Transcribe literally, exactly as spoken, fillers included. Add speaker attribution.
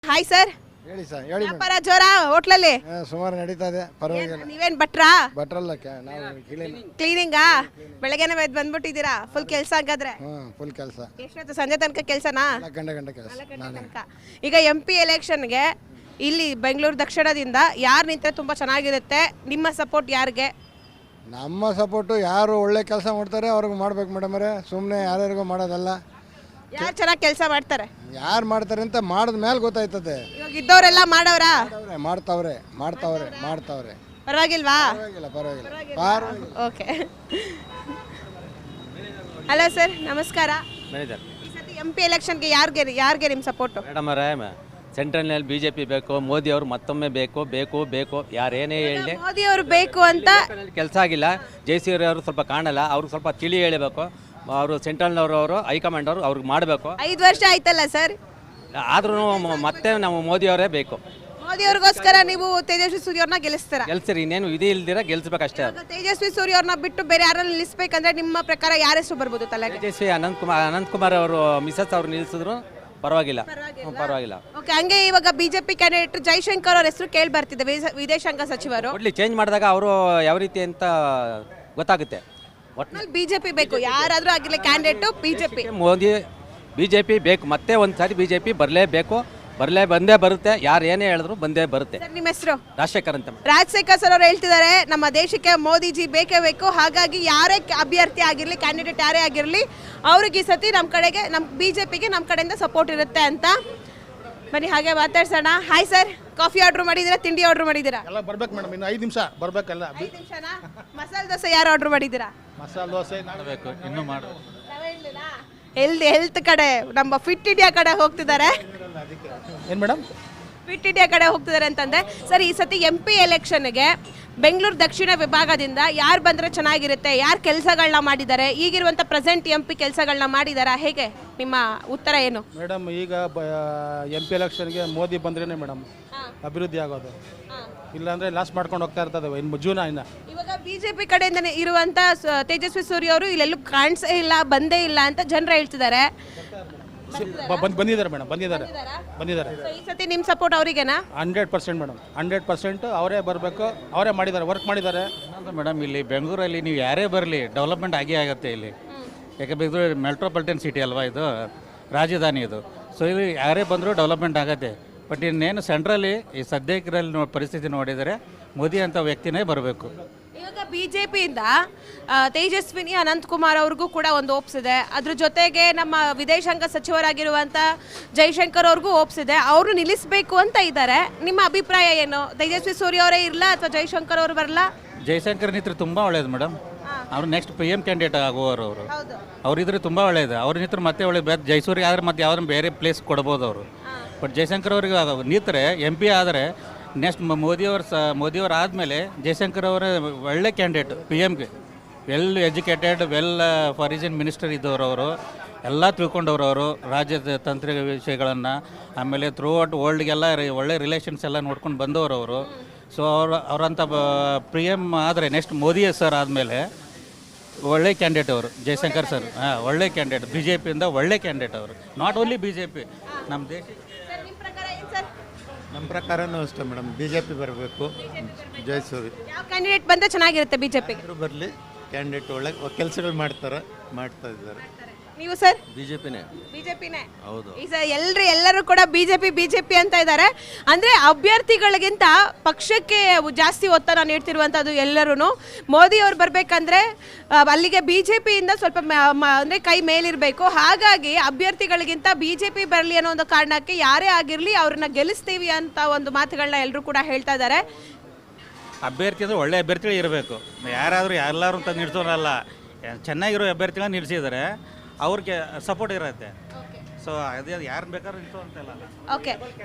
Speaker 1: Hi sir.
Speaker 2: ಹೇಳಿ sir ಹೇಳಿ madam.
Speaker 1: ವ್ಯಾಪಾರ ಜೋರ ಹೋಟ್ಲಲ್ಲಿ?
Speaker 2: ಆ, ಸುಮಾರು ನಡೀತಾ ಇದೆ, ಪರವಾಗಿಲ್ಲ.
Speaker 1: ನೀವೇನ್ ಭಟ್ರಾ?
Speaker 2: ಬಟ್ರಲ್ಲ ಕ- ನಾವು ಕ್ಲೀನ್
Speaker 1: ಕ್ಲೀನಿಂಗಾ? ಬೆಳಗ್ಗೆನೆ ಎದ್ದು ಬಂದ್ಬಿಟ್ಟಿದ್ದೀರಾ? ಫುಲ್ ಕೆಲಸ ಹಂಗಾದ್ರೆ?
Speaker 2: ಹ್ಞೂ ಫುಲ್ ಕೆಲಸ.
Speaker 1: ಎಷ್ಟೊತ್ತು? ಸಂಜೆ ತನಕ ಕೆಲಸನಾ?
Speaker 2: ನಾಲ್ಕು ಗಂಟೆ ಗಂಟೆ ಕೆಲಸ ನಾನೇ.
Speaker 1: ತನಕ. ಈಗ ಎಂ ಪಿ ಎಲೆಕ್ಷನ್ಗೆ ಇಲ್ಲಿ ಬೆಂಗಳೂರು ದಕ್ಷಿಣದಿಂದ ಯಾರು ನಿಂತ್ರೆ ತುಂಬಾ ಚೆನ್ನಾಗಿರುತ್ತೆ? ನಿಮ್ಮ ಸಪೋರ್ಟ್ ಯಾರಿಗೆ?
Speaker 2: ನಮ್ಮ ಸಪೋರ್ಟು ಯಾರು ಒಳ್ಳೆ ಕೆಲಸ ಮಾಡ್ತಾರೆ ಅವ್ರಿಗೆ ಮಾಡ್ಬೇಕು ಮೇಡಮ್ ಅವರೇ, ಸುಮ್ಮನೆ ಯಾರ್ಯಾರಿಗೂ ಮಾಡೋದಲ್ಲ.
Speaker 1: ಯಾರು ಚೆನ್ನಾಗಿ ಕೆಲಸ ಮಾಡ್ತಾರೆ?
Speaker 2: ಯಾರು ಮಾಡ್ತಾರೆ ಅಂತ ಮಾಡಿದ ಮೇಲೆ ಗೊತ್ತಾಯ್ತದೆ.
Speaker 1: ಇವಾಗ ಇದ್ದವರೆಲ್ಲ ಮಾಡವ್ರಾ?
Speaker 2: ಮಾಡ್ತಾವ್ರೆ ಮಾಡ್ತಾವ್ರೆ ಮಾಡ್ತಾವ್ರೆ ಮಾಡ್ತಾವ್ರೆ
Speaker 1: ಪರವಾಗಿಲ್ವಾ?
Speaker 2: ಪರವಾಗಿಲ್ಲ ಪರವಾಗಿಲ್ಲ ಪರವಾಗಿಲ್ಲ.
Speaker 1: ಓಕೆ. ಹಲೋ ಸರ್, ನಮಸ್ಕಾರ.
Speaker 3: ಮ್ಯಾನೇಜರ್
Speaker 1: ಈ ಸತಿ ಎಂ ಪಿ ಎಲೆಕ್ಷನ್ಗೆ ಯಾರಿಗೆ ಯಾರಿಗೆ ನಿಮ್ಮ ಸಪೋರ್ಟು?
Speaker 3: ಮೇಡಮ್ ಅವರೇ, ಸೆಂಟ್ರಲ್ನಲ್ಲಿ ಬಿ ಜೆ ಪಿ ಬೇಕು, ಮೋದಿ ಅವರು ಮತ್ತೊಮ್ಮೆ ಬೇಕು ಬೇಕು ಬೇಕು ಯಾರೇನೇ ಹೇಳಿ
Speaker 1: ಮೋದಿ ಅವರು ಬೇಕು ಅಂತ
Speaker 3: ಕೆಲಸ ಆಗಿಲ್ಲ. ಜಯಸೂರ್ಯ ಅವರು ಸ್ವಲ್ಪ ಕಾಣಲ್ಲ, ಅವ್ರಿಗೆ ಸ್ವಲ್ಪ ತಿಳಿ ಹೇಳಬೇಕು. ಅವರು ಸೆಂಟ್ರಲ್ನವರು ಅವರು ಹೈಕಮಾಂಡ್ ಅವರು ಅವ್ರಿಗೆ ಮಾಡಬೇಕು.
Speaker 1: ಐದು ವರ್ಷ ಆಯ್ತಲ್ಲ ಸರ್.
Speaker 3: ಆದ್ರೂ ಮತ್ತೆ ನಾವು ಮೋದಿ ಅವರೇ ಬೇಕು.
Speaker 1: ಮೋದಿ ಅವ್ರಿಗೋಸ್ಕರ ನೀವು ತೇಜಸ್ವಿ ಸೂರ್ಯ ಅವ್ರನ್ನ ಗೆಲ್ಲಿಸ್ತೀರಾ?
Speaker 3: ಗೆಲ್ಸಿರಿ, ಇನ್ನೇನು ವಿಧಿ ಇಲ್ದಿರ ಗೆಲ್ಸ್ಬೇಕಷ್ಟೇ.
Speaker 1: ಇವಾಗ ತೇಜಸ್ವಿ ಸೂರ್ಯ ಅವ್ರನ್ನ ಬಿಟ್ಟು ಬೇರೆ ಯಾರನ್ನ ನಿಲ್ಲಿಸ್ಬೇಕಂದ್ರೆ ನಿಮ್ಮ ಪ್ರಕಾರ ಯಾರ ಹೆಸರು ಬರ್ಬೋದು ತಲೆಗೆ?
Speaker 3: ತೇಜಸ್ವಿ ಅನಂತ್ ಕುಮಾರ್ ಅನಂತ್ ಕುಮಾರ್ ಅವರು ಮಿಸಸ್ ಅವ್ರು ನಿಲ್ಸಿದ್ರು ಪರವಾಗಿಲ್ಲ. ಹ್ಮ್, ಪರವಾಗಿಲ್ಲ.
Speaker 1: ಓಕೆ. ಹಂಗೆ ಇವಾಗ ಬಿಜೆಪಿ ಕ್ಯಾಂಡಿಡೇಟ್ ಜೈಶಂಕರ್ ಅವ್ರ ಹೆಸರು ಕೇಳಿ ಬರ್ತಿದೆ, ವಿದೇಶ- ವಿದೇಶಾಂಗ ಸಚಿವರು.
Speaker 3: ಒಟ್ಲಿ ಚೇಂಜ್ ಮಾಡಿದಾಗ ಅವರು ಯಾವ ರೀತಿ ಅಂತ ಗೊತ್ತಾಗುತ್ತೆ. ಒಟ್ಟು
Speaker 1: ಬಿಜೆಪಿ ಬೇಕು, ಯಾರಾದ್ರೂ ಆಗಿಲ್ಲ candidate BJP.
Speaker 3: Modi B J P ಬೇಕು, ಮತ್ತೆ ಒಂದು ಸಾರಿ ಬಿ ಜೆ ಪಿ ಬರಲೇಬೇಕು, ಬರಲೇ ಬಂದೇ ಬರುತ್ತೆ. ಯಾರು ಏನೇ ಹೇಳಿದ್ರು ಬಂದೇ ಬರುತ್ತೆ.
Speaker 1: ಸರ್, ನಿಮ್ಮ ಹೆಸರು?
Speaker 3: ರಾಜಶೇಖರ್ ಅಂತ.
Speaker 1: ರಾಜಶೇಖರ್ ಸರ್ ಅವ್ರು ಹೇಳ್ತಿದ್ದಾರೆ ನಮ್ಮ ದೇಶಕ್ಕೆ ಮೋದಿಜಿ ಬೇಕೇ ಬೇಕು, ಹಾಗಾಗಿ ಯಾರೇ ಅಭ್ಯರ್ಥಿ ಆಗಿರಲಿ, ಕ್ಯಾಂಡಿಡೇಟ್ ಯಾರೇ ಆಗಿರಲಿ, ಅವ್ರಿಗೆ ಈ ಸತಿ ನಮ್ಮ ಕಡೆಗೆ, ನಮ್ಮ ಬಿಜೆಪಿಗೆ ನಮ್ಮ ಕಡೆಯಿಂದ ಸಪೋರ್ಟ್ ಇರುತ್ತೆ ಅಂತ. ಬನ್ನಿ ಹಾಗೆ ಮಾತಾಡ್ಸೋಣ. ಹಾಯ್ ಸರ್, ಕಾಫಿ ಆರ್ಡರ್ ಮಾಡಿದ್ದೀರಾ, ತಿಂಡಿ ಆರ್ಡರ್ ಮಾಡಿದ್ದೀರಾ?
Speaker 4: ಎಲ್ಲ ಬರ್ಬೇಕು ಮೇಡಮ್, ಇನ್ನು ಐದು ನಿಮಿಷ ಬರ್ಬೇಕಲ್ಲ.
Speaker 1: ಐದು ನಿಮಿಷನಾ? ಮಸಾಲೆ ದೋಸೆ ಯಾರು ಆರ್ಡರ್ ಮಾಡಿದ್ದೀರಾ?
Speaker 4: ಮಸಾಲೆ ದೋಸೆ ಮಾಡಬೇಕು, ಇನ್ನೂ ಮಾಡು.
Speaker 1: ಹೆಲ್ತ್ ಹೆಲ್ತ್ ಕಡೆ, ನಮ್ಮ ಫಿಟ್ ಇಂಡಿಯಾ ಕಡೆ ಹೋಗ್ತಿದ್ದಾರೆ.
Speaker 4: ಏನು ಮೇಡಮ್?
Speaker 1: ಫಿಟ್ ಇಂಡಿಯಾ ಕಡೆ ಹೋಗ್ತಿದ್ದಾರೆ ಅಂತಂದ್ರೆ ಸರ್, ಈ ಸತಿ ಎಂ ಪಿ ಎಲೆಕ್ಷನ್ಗೆ ಬೆಂಗಳೂರು ದಕ್ಷಿಣ ವಿಭಾಗದಿಂದ ಯಾರು ಬಂದರೆ ಚೆನ್ನಾಗಿರುತ್ತೆ? ಯಾರು ಕೆಲಸಗಳನ್ನ ಮಾಡಿದ್ದಾರೆ? ಈಗಿರುವಂಥ ಪ್ರೆಸೆಂಟ್ ಎಂ ಪಿ ಕೆಲಸಗಳನ್ನ ಮಾಡಿದಾರಾ? ಹೇಗೆ ನಿಮ್ಮ ಉತ್ತರ ಏನು?
Speaker 4: ಮೇಡಮ್, ಈಗ ಎಂ ಪಿ ಎಲೆಕ್ಷನ್ಗೆ ಮೋದಿ ಬಂದ್ರೇ ಮೇಡಮ್ ಅಭಿವೃದ್ಧಿ ಆಗೋದು, ಇಲ್ಲಾಂದರೆ ಲಾಸ್ ಮಾಡ್ಕೊಂಡು ಹೋಗ್ತಾ ಇರ್ತದೆ ಇನ್ನು ಜೂನ. ಇನ್ನು
Speaker 1: ಇವಾಗ ಬಿಜೆಪಿ ಕಡೆಯಿಂದನೇ ಇರುವಂಥ ಸ- ತೇಜಸ್ವಿ ಸೂರ್ಯ ಅವರು ಇಲ್ಲೆಲ್ಲೂ ಕಾಣಿಸೇ ಇಲ್ಲ, ಬಂದೇ ಇಲ್ಲ ಅಂತ ಜನರು ಹೇಳ್ತಿದ್ದಾರೆ.
Speaker 4: ಬಂದು ಬಂದಿದ್ದಾರೆ ಮೇಡಮ್, ಬಂದಿದ್ದಾರೆ ಬಂದಿದ್ದಾರೆ
Speaker 1: So, ಈ ಸತಿ ನಿಮ್ಮ ಸಪೋರ್ಟ್ ಅವರಿಗೆನಾ?
Speaker 4: Hundred percent madam, hundred percent ಅವರೇ ಬರಬೇಕು, ಅವರೇ ಮಾಡಿದ್ದಾರೆ, ವರ್ಕ್ ಮಾಡಿದ್ದಾರೆ.
Speaker 5: ಮೇಡಮ್, ಇಲ್ಲಿ ಬೆಂಗಳೂರಲ್ಲಿ ನೀವು ಯಾರೇ ಬರಲಿ ಡೆವಲಪ್ಮೆಂಟ್ ಆಗೇ ಆಗುತ್ತೆ ಇಲ್ಲಿ. ಯಾಕಂದರೆ ಇದು ಮೆಟ್ರೋಪಾಲಿಟನ್ ಸಿಟಿ ಅಲ್ವಾ, ಇದು ರಾಜಧಾನಿ ಇದು. ಸೊ ಇದು ಯಾರೇ ಬಂದರೂ ಡೆವಲಪ್ಮೆಂಟ್ ಆಗುತ್ತೆ. ಬಟ್ ಇನ್ನೇನು ಸೆಂಟ್ರಲ್ಲಿ ಈ ಸದ್ಯಕ್ಕಿರಲ್ಲಿ ನೋ ಪರಿಸ್ಥಿತಿ ನೋಡಿದರೆ ಮೋದಿ ಅಂತ ವ್ಯಕ್ತಿನೇ ಬರಬೇಕು.
Speaker 1: ಇವಾಗ ಬಿಜೆಪಿಯಿಂದ ತೇಜಸ್ವಿನಿ ಅನಂತಕುಮಾರ್ ಅವ್ರಿಗೂ ಕೂಡ ಒಂದು ಓಪ್ಸ್ ಇದೆ. ಅದ್ರ ಜೊತೆಗೆ ನಮ್ಮ ವಿದೇಶಾಂಗ ಸಚಿವರಾಗಿರುವಂಥ ಜೈಶಂಕರ್ ಅವ್ರಿಗೂ ಓಪ್ಸ್ ಇದೆ. ಅವರು ನಿಲ್ಲಿಸಬೇಕು ಅಂತ ಇದ್ದಾರೆ. ನಿಮ್ಮ ಅಭಿಪ್ರಾಯ ಏನು? ತೇಜಸ್ವಿ ಸೂರ್ಯ ಅವರೇ ಇರಲ್ಲ ಅಥವಾ ಜೈಶಂಕರ್ ಅವರು ಬರಲ್ಲ?
Speaker 5: ಜಯಶಂಕರ್ ನಿತ್ರ ತುಂಬ ಒಳ್ಳೇದು ಮೇಡಮ್. ಅವರು ನೆಕ್ಸ್ಟ್ ಪಿ ಎಮ್ ಕ್ಯಾಂಡಿಡೇಟ್ ಆಗುವವರು ಅವರು.
Speaker 1: ಹೌದು.
Speaker 5: ಅವರಿದ್ರೆ ತುಂಬ ಒಳ್ಳೇದು. ಅವ್ರ ನಿತ್ರ ಮತ್ತೆ ಒಳ್ಳೆ ಬೇರೆ ಜೈಸೂರಿಗೆ ಆದರೆ ಮತ್ತೆ ಯಾವ್ದಾರು ಬೇರೆ ಪ್ಲೇಸ್ ಕೊಡ್ಬೋದು ಅವರು. ಬಟ್ ಜಯಶಂಕರ್ ಅವ್ರಿಗೆ ನಿಂತರೆ ಎಂ ಪಿ ಆದರೆ ನೆಕ್ಸ್ಟ್ ಮೋದಿಯವ್ರ ಸ ಮೋದಿಯವ್ರು ಆದಮೇಲೆ ಜಯಶಂಕರ್ ಅವರ ಒಳ್ಳೆ ಕ್ಯಾಂಡಿಡೇಟ್ ಪಿ ಎಮ್ಗೆ. Well educated, well foreign minister ಇದ್ದವರು ಅವರು. ಎಲ್ಲ ತಿಳ್ಕೊಂಡವ್ರು ಅವರು ರಾಜ್ಯದ ತಾಂತ್ರಿಕ ವಿಷಯಗಳನ್ನು. ಆಮೇಲೆ ಥ್ರೂ ಔಟ್ ವರ್ಲ್ಡ್ಗೆಲ್ಲ ಒಳ್ಳೆ ರಿಲೇಷನ್ಸ್ ಎಲ್ಲ ನೋಡ್ಕೊಂಡು ಬಂದವರು ಅವರು. ಸೊ ಅವರು ಅವರಂಥ ಪಿ ಎಮ್ ಆದರೆ ನೆಕ್ಸ್ಟ್ ಮೋದಿ ಸರ್ ಆದಮೇಲೆ ಒಳ್ಳೆ ಕ್ಯಾಂಡಿಡೇಟ್ ಅವರು ಜಯಶಂಕರ್ ಸರ್. ಹಾಂ, ಒಳ್ಳೆ ಕ್ಯಾಂಡಿಡೇಟ್, ಬಿ ಜೆ ಪಿಯಿಂದ ಒಳ್ಳೆ ಕ್ಯಾಂಡಿಡೇಟ್ ಅವರು. Not only B J P, ನಮ್ಮ ದೇಶ.
Speaker 6: ನಮ್ಮ ಪ್ರಕಾರನೂ ಅಷ್ಟೇ ಮೇಡಮ್, ಬಿ ಜೆ ಪಿ ಬರಬೇಕು. ಜಯಸೂರಿ
Speaker 1: ಯಾವ ಕ್ಯಾಂಡಿಡೇಟ್ ಬಂದರೆ ಚೆನ್ನಾಗಿರುತ್ತೆ ಬಿಜೆಪಿಗೆ?
Speaker 6: ಯಾರು ಬರಲಿ, ಕ್ಯಾಂಡಿಡೇಟ್ ಒಳ್ಳೆ ಕೆಲಸಗಳು ಮಾಡ್ತಾರೆ, ಮಾಡ್ತಾ ಇದ್ದಾರೆ.
Speaker 1: ನೀವು ಸರ್?
Speaker 3: ಬಿಜೆಪಿನೇ.
Speaker 1: ಬಿಜೆಪಿನೇ.
Speaker 3: ಹೌದು.
Speaker 1: ಈ ಸರ್ ಎಲ್ಲರೂ ಎಲ್ಲರೂ ಕೂಡ ಬಿಜೆಪಿ ಬಿಜೆಪಿ ಅಂತ ಇದ್ದಾರೆ. ಅಂದರೆ ಅಭ್ಯರ್ಥಿಗಳಿಗಿಂತ ಪಕ್ಷಕ್ಕೆ ಜಾಸ್ತಿ ಒತ್ತಡ ನೀಡ್ತಿರುವಂಥದ್ದು ಎಲ್ಲರೂ. ಮೋದಿ ಅವ್ರು ಬರಬೇಕಂದ್ರೆ ಅಲ್ಲಿಗೆ ಬಿಜೆಪಿಯಿಂದ ಸ್ವಲ್ಪ ಅಂದರೆ ಕೈ ಮೇಲಿರಬೇಕು. ಹಾಗಾಗಿ ಅಭ್ಯರ್ಥಿಗಳಿಗಿಂತ ಬಿಜೆಪಿ ಬರಲಿ ಅನ್ನೋ ಒಂದು ಕಾರಣಕ್ಕೆ ಯಾರೇ ಆಗಿರಲಿ ಅವ್ರನ್ನ ಗೆಲ್ಲಿಸ್ತೀವಿ ಅಂತ ಒಂದು ಮಾತುಗಳನ್ನ ಎಲ್ಲರೂ ಕೂಡ ಹೇಳ್ತಾ ಇದ್ದಾರೆ.
Speaker 5: ಅಭ್ಯರ್ಥಿ ಅಂದರೆ ಒಳ್ಳೆ ಅಭ್ಯರ್ಥಿಗಳು ಇರಬೇಕು. ಯಾರಾದರೂ ಎಲ್ಲರೂ ಅಂತ ನಿಲ್ಸೋರಲ್ಲ, ಚೆನ್ನಾಗಿರೋ ಅಭ್ಯರ್ಥಿಗಳನ್ನ ನಿಲ್ಲಿಸಿದರೆ ಅವ್ರಿಗೆ ಸಪೋರ್ಟ್ ಇರುತ್ತೆ. ಸೊ ಅದೇ ಯಾರು ಬೇಕಾದ್ರೂ ನಿಲ್ಸೋ ಅಂತೆಲ್ಲ.
Speaker 1: ಓಕೆ.